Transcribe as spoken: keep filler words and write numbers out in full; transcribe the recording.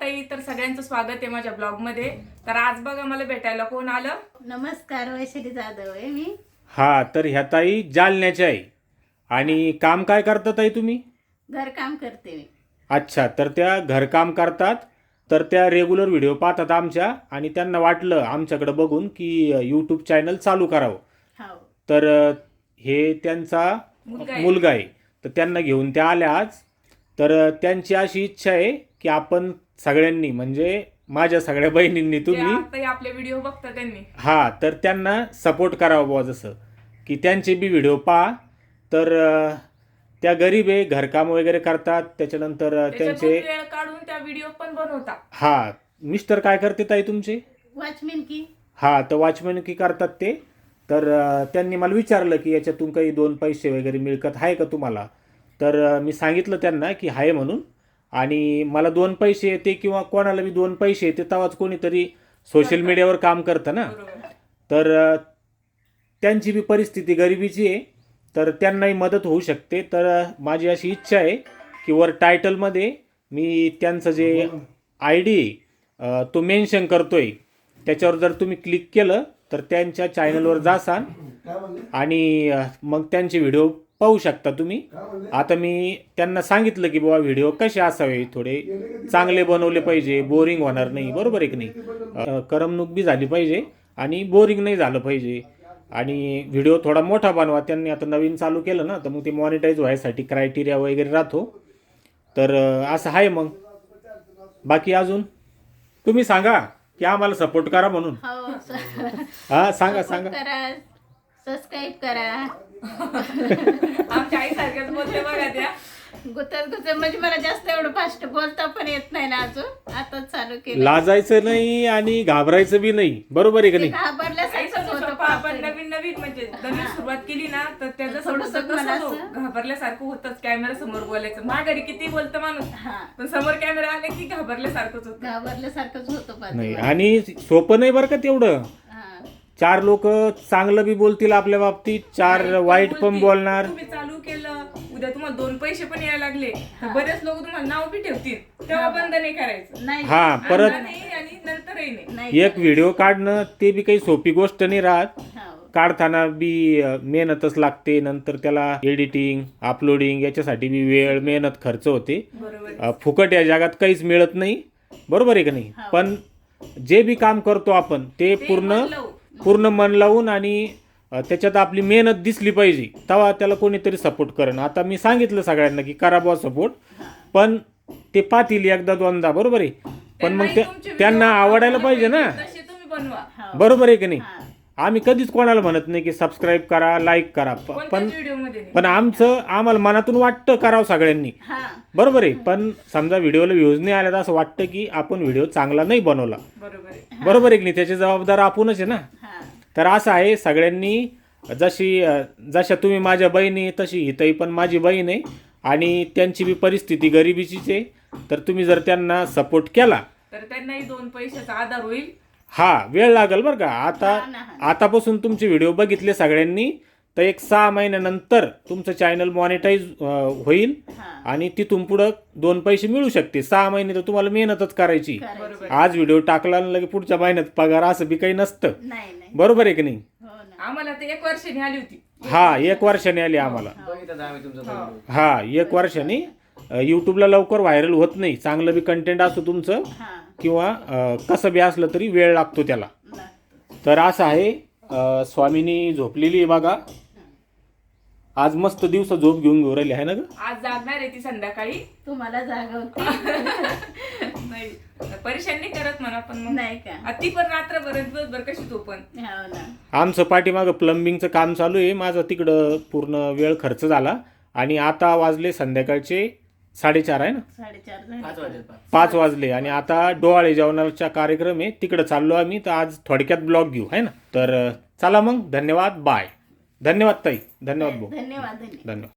ताई, तर सगळ्यांचं स्वागत आहे माझ्या ब्लॉग मध्ये। तर आज बघा मला भेटायला कोण आलं। नमस्कार, वैशाली जाधव आहे मी। हा, तर ह्या ताई जालन्याच्या आहे आणि काम काय करता ताई तुम्ही? घर काम करते मी। अच्छा, तर त्या घरकाम करतात, तर त्या रेग्युलर व्हिडिओ पाहतात आमच्या आणि त्यांना वाटलं आमच्याकडे बघून की यूट्यूब चॅनल चालू करावं। हो, तर अ, हे त्यांचा मुलगा आहे। मुलगा आहे, तर त्यांना घेऊन त्या आल्या आज। तर अ, त्यांची अशी इच्छा आहे की आपण सगळ्यांनी, म्हणजे माझ्या सगळ्या बहिणींनी, जे तुम्ही आता आपले व्हिडिओ बघता त्यांनी हा, तर त्यांना सपोर्ट करावा बुवा, जसं की त्यांचे बी व्हिडिओ पहा। तर अ, त्या गरीब आहे, घरकाम वगैरे करतात, त्याच्यानंतर अ, त्याच्यातून त्यांचे वेळ काढून त्या व्हिडिओ पण बनवता। हा, मिस्टर काय करते ताई तुमचे? वॉचमॅन की। हा, तर वॉचमॅन की करतात ते। तर अ, त्यांनी मला विचारलं की याच्यातून काही दोन पैसे वगैरे मिळकत आहे का तुम्हाला? तर अ, मी सांगितलं त्यांना की आहे म्हणून, आणि मला दोन पैसे येते किंवा कोणाला बी दोन पैसे येते तेव्हाच कोणीतरी सोशल मीडियावर काम करतं ना। बरोबर। तर अ, त्यांची बी परिस्थिती गरिबीची आहे, तर त्यांनाही मदत होऊ शकते। तर अ, माझी अशी इच्छा आहे की वर टायटलमध्ये मी त्यांचं जे आय डी तो मेन्शन करतोय, त्याच्यावर जर तुम्ही क्लिक केलं तर त्यांच्या चॅनलवर जासाल आणि अ, मग त्यांचे व्हिडिओ पाहू शकता तुम्ही। आता मी त्यांना सांगितलं की बाबा व्हिडिओ कसे असावे, थोडे चांगले बनवले पाहिजे, बोरिंग होणार नाही, बरोबर आहे की नाही? अ, करमणूक बी झाली पाहिजे आणि बोरिंग नाही झालं पाहिजे, आणि व्हिडिओ थोडा मोठा बनवा। त्यांनी आता नवीन चालू केलं ना, तर मग ते मॉनिटाईज व्हायसाठी क्रायटेरिया वगैरे राहतो। तर अ, असं आहे। मग बाकी अजून तुम्ही सांगा की आम्हाला सपोर्ट करा म्हणून। हो, हा, सांगा support सांगा। करा, सबस्क्राईब करा। आमच्या आई सारख्याच बोलते बघा त्या। गुतत गुतत म्हणजे मला जास्त एवढं फास्ट बोलता पण येत नाही ना अजून, आता चालू केलं। लाजायचं नाही आणि घाबरायचं बी नाही, बरोबर आहे की ते नाही? आई घाबरल्यासारखंच सांगू होतं शकतो आपण पाहतोय. नवीन नवीन म्हणजे नवीन सुरुवात केली ना, तर त्याचं थोडंसं थोडंसं मला कसं असं- घाबरल्यासारखं होतंच कॅमेरा समोर बोलायचं। माघारी किती बोलतं माणूस, हा, पण समोर कॅमेरा आले की घाबरल्यासारखंच होतं। घाबरल्यासारखंच होतं नाही, पाहतोय. आणि सोपं नाही बरं का तेवढं। हा, चार लोक चांगलं बी बोलतील आपल्या बाबतीत, चार वाईट पण वाईट पण बोलतील। बोलणार। तुम्ही चालू केलं, उद्या तुम्हाला दोन पैसे पण यायला लागले तर बरेच लोक तुम्हाला नाव बी ठेवतील, तेव्हा बंद नाही करायचं। नाही हा, परत आता नाही आणि नंतरही नाही। नाही एक व्हिडिओ काढणं ते बी काही सोपी गोष्ट नाही राहत। हो, काढताना बी अ, मेहनतच लागते, नंतर त्याला एडिटिंग, अपलोडिंग याच्यासाठी बी वेळ, मेहनत, खर्च होते। बरोबर आहे। अ, फुकट या जगात काहीच मिळत नाही, बरोबर आहे की नाही? हो. पण जे बी काम करतो आपण ते ते पूर्ण मन लावून. पूर्ण मन लावून आणि अ, त्याच्यात आपली मेहनत दिसली पाहिजे, तेव्हा त्याला कोणीतरी सपोर्ट करेन। आता मी सांगितलं सगळ्यांना की करा बुवा सपोर्ट, पण ते पाहतील एकदा दोनदा, बरोबर आहे? पण मग त्यांनाही ते तुमचे त्यांना video आवडायला पाहिजे ना, तसे तुम्ही बनवा। हो. बरोबर आहे की नाही? हा. आम्ही कधीच कोणाला म्हणत नाही की सबस्क्राईब करा, लाईक करा, प- पण कोणत्याच व्हिडिओ मध्ये नाही। पण आमचं आम्हाला मनातून वाटतं करावं सगळ्यांनी, हा, बरोबर आहे? पण समजा व्हिडिओला व्ह्यूज नाही आल्या तर असं वाटतं की आपण व्हिडिओ चांगला नाही बनवला, बरोबर आहे। बरोबर आहे की नाही? त्याची जबाबदार आपणच आहे ना। हा, तर असं आहे, सगळ्यांनी जशी अ, जशा तुम्ही माझ्या बहिणी आहे, तशी ही ताई पण माझी बहीण आहे आणि त्यांची बी परिस्थिती गरिबीचीच आहे। तर तुम्ही जर त्यांना सपोर्ट केला तर त्यांनाही दोन पैशाचा आधार होईल। हा, वेळ लागेल बरं का। आता हा ना, हा ना. आतापासून तुमचे व्हिडिओ बघितले सगळ्यांनी, तर एक सहा महिन्यानंतर तुमचं चॅनल मॉनिटाईज होईल हा. आणि तिथून पुढं दोन पैसे मिळू शकते। सहा महिने तर तुम्हाला मेहनतच करायची। करायचं. बरोबर। आज व्हिडिओ टाकला आणि लगे पुढच्या महिन्यात पगार, असं बी काही नसतं, नाही नाही, बरोबर आहे की नाही? हो ना। आम्हाला ते एक वर्षाने आली होती। हा, एक वर्षाने आली आम्हाला। हो। हा, एक वर्षाने। यूट्यूबला लवकर व्हायरल होत नाही, चांगलं बी कंटेंट असो तुमचं हा, किंवा अ, कसं बी असलं तरी वेळ लागतो त्याला। लागतं. तर असं आहे। अ, स्वामिनी झोपलेली आहे बघा, आज मस्त दिवस झोप घेऊन घेऊन राहिली आहे ना ग? आज जागणार आहे ती संध्याकाळी। तुम्हाला जागवते नाही, परेशान नाही करत म्हणा, पण मग नाही का? आ, ती पण रात्रभर दिवसभर कशी झोपण। हो ना। आमचं पाठीमागं प्लंबिंगचं काम चालू आहे, माझं तिकडं पूर्ण वेळ खर्च झाला आणि आता वाजले संध्याकाळचे साडेचार आहे ना, साडेचार झाले. पाच वाजले आणि आता डोहाळे जेवणाचा कार्यक्रम आहे, तिकडं चाललो आम्ही। तर आज थोडक्यात ब्लॉग घेऊ आहे ना। तर अ, चला मग, धन्यवाद, बाय। धन्यवाद ताई, धन्यवाद भाऊ, धन्यवाद धन्यवाद धन्यवाद।